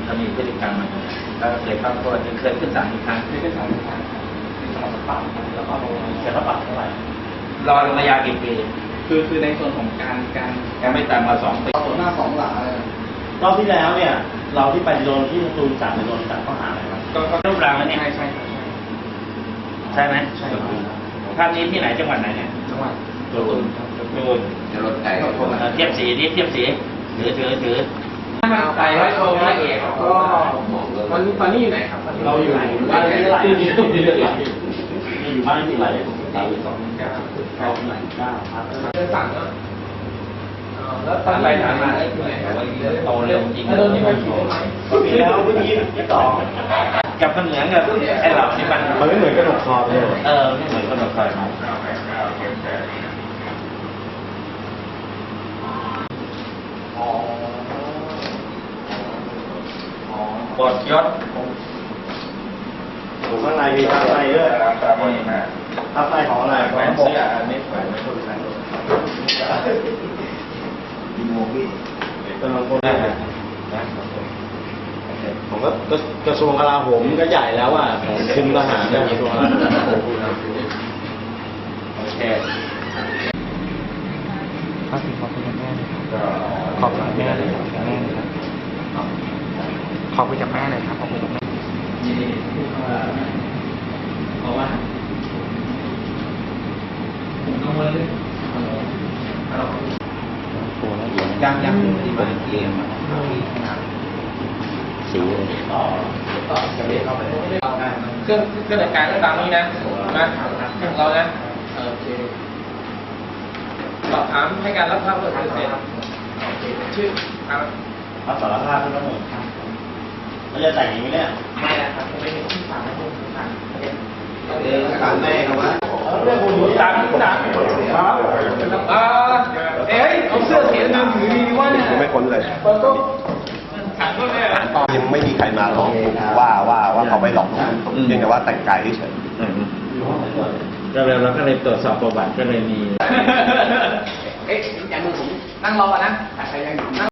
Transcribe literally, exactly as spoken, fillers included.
ถ้ามีพฤติกรรมมันก็เคยเข้าโทษเคยขึ้นศาลอีกครั้งเคยขึ้นศาลอีกครั้งเป็นสอบปรับแล้วก็ลงเขียนรับปรับเท่าไหร่รอลงมายากี่ปีคือคือในส่วนของการการยังไม่ต่ำกว่าสองปีส่วนหน้าสองหลังเลยรอบที่แล้วเนี่ยเราที่ไปโดนที่สตูลจับไปโดนจับข้อหาอะไรครับก็รูปร่างมันเนี่ยใช่ใช่ใช่ไหมใช่ครับภาพนี้ที่ไหนจังหวัดไหนเนี่ยจังหวัดสตูลสตูลจะรถไก่ก็เทียบสีนี่เทียบสีถือถือถือไปร้อยโทร้อยเอกก็ตอนตอนนี้อยู่ไหนครับเราอยู่บ้านที่ไหนที่อยู่บ้านที่ไหนเราอยู่สองเก้าสองไหนเก้าครับเดินสั่งก็แล้วตอนไปถามมาได้ที่ไหนโตเร็วจริงโดนที่ไปขี่ได้ไหมปีแล้วเมื่อกี้ที่สองกับมันเหมือนกับไอ้เหล่านี่มันมันไม่เหมือนกระดกคอเลยเออไม่เหมือนกระดกคอปลดยศผมข้างในมีทับในด้วยทับในของอะไรแหวนเสื้อไม่แหวนไม่ถูกใส่ดีโมบี้กำลังคนได้ผมก็กระทรวงกลาโหมก็ใหญ่แล้วอ่ะคุมทหารเนี่ยกระทรวงกลาโหมโอเคขอบคุณขอบคุณแม่ขอบคุณแม่เลยครับแม่ครับขอบคุณจากแม่เลยครับขอบคุณจากแม่เพราะว่าผมกังวลเลยยังยังที่มาเกมสีต่อต่อจะเรียกเข้าไปเครื่องเครื่องแต่งกายก็ตามนี้นะนะของเรานะโอเคสอบถามให้การรับทราบเปิดเผยชื่อครับรับสารภาพทุกเรื่องเราจะแต่งอย่างนี้เนี่ยไม่นะครับผมไม่เห็นที่สามนะผมสามเออสารแม่ครับว่าเรื่องคุณสามสามครับอ่าเอ้ยเอาเสื้อเสียเงินถือดีว่าเนี่ยไม่พ้นเลยยังไม่มีใครมาหลอกว่าว่าว่าเขาไม่หลอกเพียงแต่ว่าแต่งกายเฉยก็เลยเราก็เลยตรวจสอบประวัติก็เลยมีเอ๊ะอย่างมือผมนั่งรอนะแต่ใครยังอยู่